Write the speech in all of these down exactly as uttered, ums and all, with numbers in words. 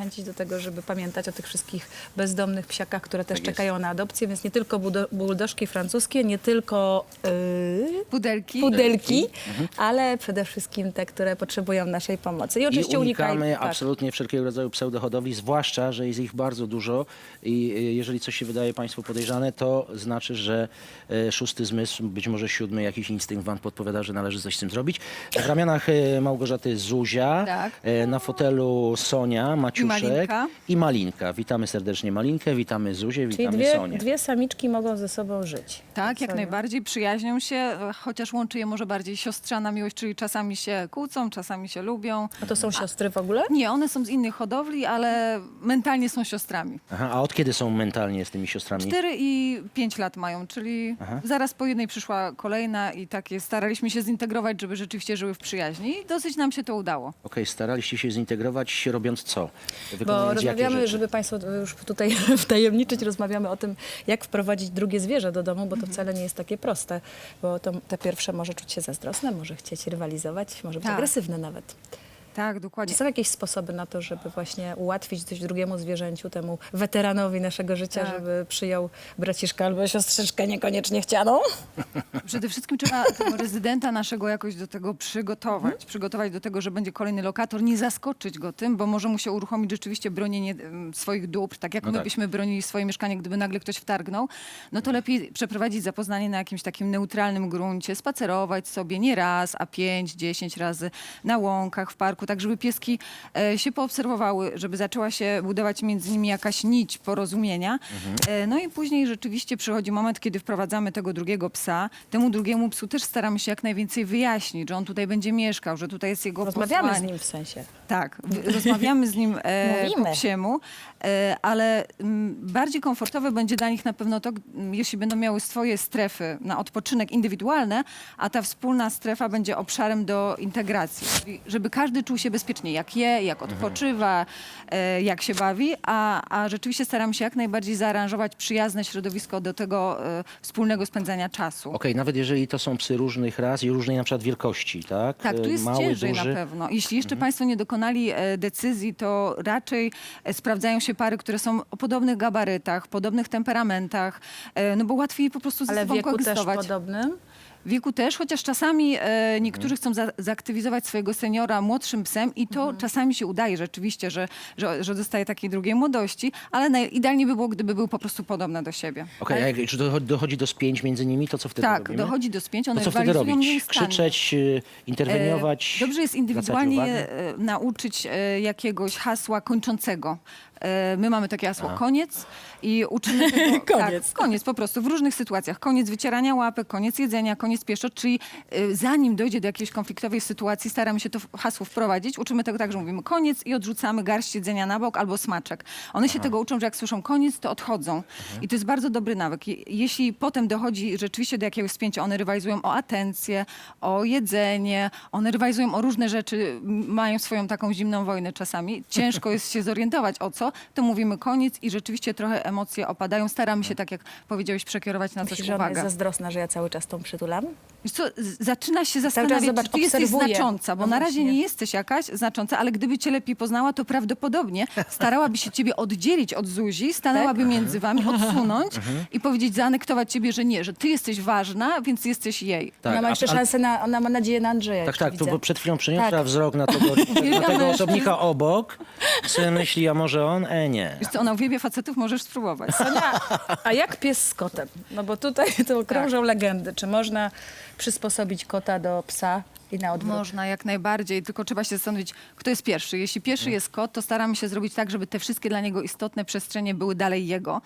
zachęcić do tego, żeby pamiętać o tych wszystkich bezdomnych psiakach, które też Tak jest. czekają na adopcję, więc nie tylko budo- buldożki francuskie, nie tylko yy, Pudelki. pudelki, ale przede wszystkim te, które potrzebują naszej pomocy. I I oczywiście unikamy unikaj- tak. absolutnie wszelkiego rodzaju pseudohodowli, zwłaszcza, że jest ich bardzo dużo i y, jeżeli coś się wydaje Państwu podejrzane, to znaczy, że y, szósty zmysł, być może siódmy, jakiś instynkt Wam podpowiada, że należy coś z tym zrobić. W ramionach y, Małgorzaty Zuzia, Tak. y, na fotelu Sonia, Maciuszek Malinka. i Malinka. Witamy serdecznie Malinkę, witamy Zuzię, Czyli witamy dwie, Sonię. dwie samiczki mogą ze sobą żyć. Tak, jak Sonia. najbardziej przyjaźnią się, chociaż łączy je może bardziej siostrzana miłość, czyli czasami się kłócą, czasami się lubią. A to są siostry w ogóle? Nie, one są z innych hodowli, ale mentalnie są siostrami. Aha, a od kiedy są mentalnie z tymi siostrami? Cztery i pięć lat mają, czyli Aha. zaraz po jednej przyszła kolejna i takie staraliśmy się zintegrować, żeby rzeczywiście żyły w przyjaźni i dosyć nam się to udało. Okej, staraliście się zintegrować, robiąc co? Bo Wykonując jakie rozmawiamy, rzeczy? żeby Państwo już tutaj wtajemniczyć, rozmawiamy o tym, jak wprowadzić drugie zwierzę do domu, bo to wcale nie jest takie proste, bo to, te pierwsze może czuć się zazdrosne, może chcieć rywalizować, może być Tak. agresywne nawet. Tak, Czy dokładnie. są jakieś sposoby na to, żeby właśnie ułatwić coś drugiemu zwierzęciu, temu weteranowi naszego życia, Tak. żeby przyjął braciszka albo siostrzyczkę niekoniecznie chcianą? Przede wszystkim trzeba tego rezydenta naszego jakoś do tego przygotować. Przygotować do tego, że będzie kolejny lokator, nie zaskoczyć go tym, bo może mu się uruchomić rzeczywiście bronienie em, swoich dóbr, tak jak No my tak. byśmy bronili swoje mieszkanie, gdyby nagle ktoś wtargnął. No to lepiej przeprowadzić zapoznanie na jakimś takim neutralnym gruncie, spacerować sobie nie raz, a pięć, dziesięć razy na łąkach, w parku, tak żeby pieski e, się poobserwowały, żeby zaczęła się budować między nimi jakaś nić porozumienia. E, no i później rzeczywiście przychodzi moment, kiedy wprowadzamy tego drugiego psa. Temu drugiemu psu też staramy się jak najwięcej wyjaśnić, że on tutaj będzie mieszkał, że tutaj jest jego Rozmawiamy z posłanie. nim w sensie. Tak, w- rozmawiamy z nim e, Mówimy. po psiemu, e, ale m, bardziej komfortowe będzie dla nich na pewno to, g- m, jeśli będą miały swoje strefy na odpoczynek indywidualne, a ta wspólna strefa będzie obszarem do integracji. Czyli żeby każdy czuł się bezpiecznie, jak je, jak odpoczywa, e, jak się bawi, a, a rzeczywiście staramy się jak najbardziej zaaranżować przyjazne środowisko do tego e, wspólnego spędzania czasu. Okej, nawet jeżeli to są psy różnych ras i różnej na przykład wielkości, tak? Tak, tu E, jest Mały, ciężej duży. na pewno. Jeśli jeszcze Państwo nie dokonali e, decyzji, to raczej e, sprawdzają się pary, które są o podobnych gabarytach, podobnych temperamentach, e, no bo łatwiej po prostu ze Ale w sobą wieku też koegzystować. podobnym? W wieku też, chociaż czasami e, niektórzy chcą za, zaaktywizować swojego seniora młodszym psem i to czasami się udaje rzeczywiście, że, że, że dostaje takiej drugiej młodości, ale naj, idealnie by było, gdyby był po prostu podobny do siebie. Okej, a jak, czy dochodzi, dochodzi do spięć między nimi, to co wtedy Tak, robimy? dochodzi do spięć, one To co wtedy rywalizują robić? nieustannie. Krzyczeć, y, interweniować? E, Dobrze jest zwracać indywidualnie uwagę? e, nauczyć e, jakiegoś hasła kończącego. E, My mamy takie hasło koniec i uczymy tego, Koniec. Tak, koniec po prostu w różnych sytuacjach. Koniec wycierania łapek, koniec jedzenia, koniec pieszczot, czyli e, zanim dojdzie do jakiejś konfliktowej sytuacji, staramy się to w- hasło wprowadzić. Uczymy tego tak, że mówimy koniec i odrzucamy garść jedzenia na bok albo smaczek. One się tego uczą, że jak słyszą koniec, to odchodzą. I to jest bardzo dobry nawyk. Je- Jeśli potem dochodzi rzeczywiście do jakiegoś spięcia, one rywalizują o atencję, o jedzenie, one rywalizują o różne rzeczy, m- mają swoją taką zimną wojnę czasami. Ciężko jest się zorientować o co, to mówimy koniec i rzeczywiście trochę emocje opadają. Staramy się, tak jak powiedziałeś, przekierować na coś Myślisz, że ona jest uwagę. zazdrosna, że ja cały czas tą przytulam? Wiesz co, z- zaczyna się czas, zastanawiać, zobacz, czy ty jesteś obserwuję. znacząca, bo No na razie właśnie. nie jesteś jakaś znacząca, ale gdyby cię lepiej poznała, to prawdopodobnie starałaby się ciebie oddzielić od Zuzi, stanęłaby między wami, odsunąć i powiedzieć, zaanektować ciebie, że nie, że ty jesteś ważna, więc jesteś jej. Tak, Ona ma a- jeszcze a- szansę na, ona ma nadzieję na Andrzeja. Tak, już tak, to widzę. bo przed chwilą przeniosła Tak. wzrok na tego, na tego mężczyzn. osobnika obok. Sobie myśli, a może on? E, nie. Wiesz co, ona uwielbia facetów, możesz spróbować. Sonia, a jak pies z kotem? No bo tutaj to krążą Tak. legendy. Czy można przysposobić kota do psa i na odwrót? Można, jak najbardziej, tylko trzeba się zastanowić, kto jest pierwszy. Jeśli pierwszy jest kot, to staramy się zrobić tak, żeby te wszystkie dla niego istotne przestrzenie były dalej jego.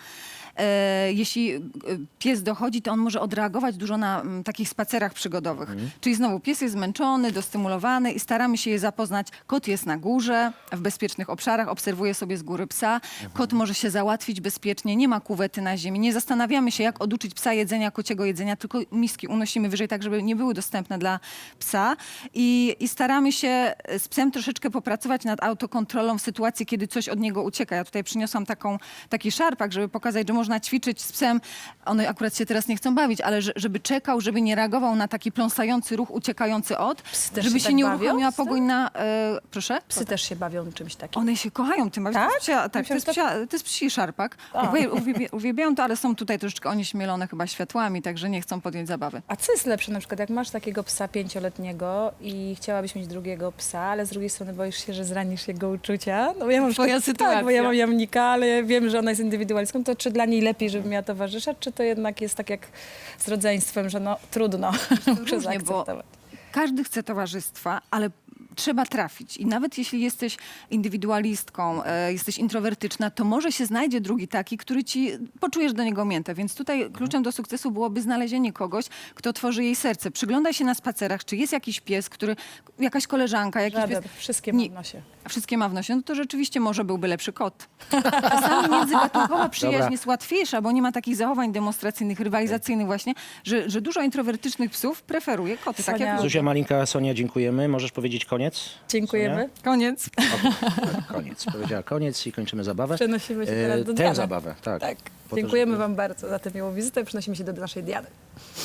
E, jeśli e, pies dochodzi, to on może odreagować dużo na m, takich spacerach przygodowych. Czyli znowu pies jest zmęczony, dostymulowany i staramy się je zapoznać. Kot jest na górze, w bezpiecznych obszarach, obserwuje sobie z góry psa. Kot może się załatwić bezpiecznie, nie ma kuwety na ziemi. Nie zastanawiamy się, jak oduczyć psa jedzenia, kociego jedzenia, tylko miski unosimy wyżej, tak żeby nie były dostępne dla psa. I, i staramy się z psem troszeczkę popracować nad autokontrolą w sytuacji, kiedy coś od niego ucieka. Ja tutaj przyniosłam taką, taki szarpak, żeby pokazać, że może można ćwiczyć z psem, one akurat się teraz nie chcą bawić, ale że, żeby czekał, żeby nie reagował na taki pląsający ruch, uciekający od, Psy też żeby się się tak nie bawią uruchomiła z tym? pogoń na... E, proszę? Psy też się bawią czymś takim. One się kochają tym, Tak? to jest psia, tak, to Myślałam, jest, że psia, to jest psi szarpak. Uwie- Uwielbia, uwielbiają to, ale są tutaj troszeczkę onieśmielone chyba światłami, także nie chcą podjąć zabawy. A co jest lepsze, na przykład jak masz takiego psa pięcioletniego i chciałabyś mieć drugiego psa, ale z drugiej strony boisz się, że zranisz jego uczucia? No bo ja mam Twoja przykład- Tak, bo ja sytuacja. mam jamnika, ale ja wiem, że ona jest indywidualistką, to czy dla niej lepiej, żeby miała towarzysza, czy to jednak jest tak jak z rodzeństwem, że no trudno, muszę Różnie, bo zaakceptować. każdy chce towarzystwa, ale trzeba trafić. I nawet jeśli jesteś indywidualistką, e, jesteś introwertyczna, to może się znajdzie drugi taki, który ci poczujesz do niego miętę. Więc tutaj kluczem do sukcesu byłoby znalezienie kogoś, kto otworzy jej serce. Przyglądaj się na spacerach, czy jest jakiś pies, który, jakaś koleżanka, jakiś Żaden, pies. wszystkie Nie- mam w nosie. Wszystkie ma w nosie, no to rzeczywiście może byłby lepszy kot. Czasami międzygatunkowa przyjaźń Dobra. jest łatwiejsza, bo nie ma takich zachowań demonstracyjnych, rywalizacyjnych właśnie, że, że dużo introwertycznych psów preferuje koty. Tak Sonia- jak Zuzia Malinka, Sonia, dziękujemy. Możesz powiedzieć koniec? Dziękujemy. Koniec. Sonia? Koniec. Powiedziała koniec i kończymy zabawę. Przenosimy się E, teraz do Tę Diany. zabawę, tak. Tak. Po to, Dziękujemy żeby- Wam bardzo za tę miłą wizytę. Przenosimy się do naszej Diany.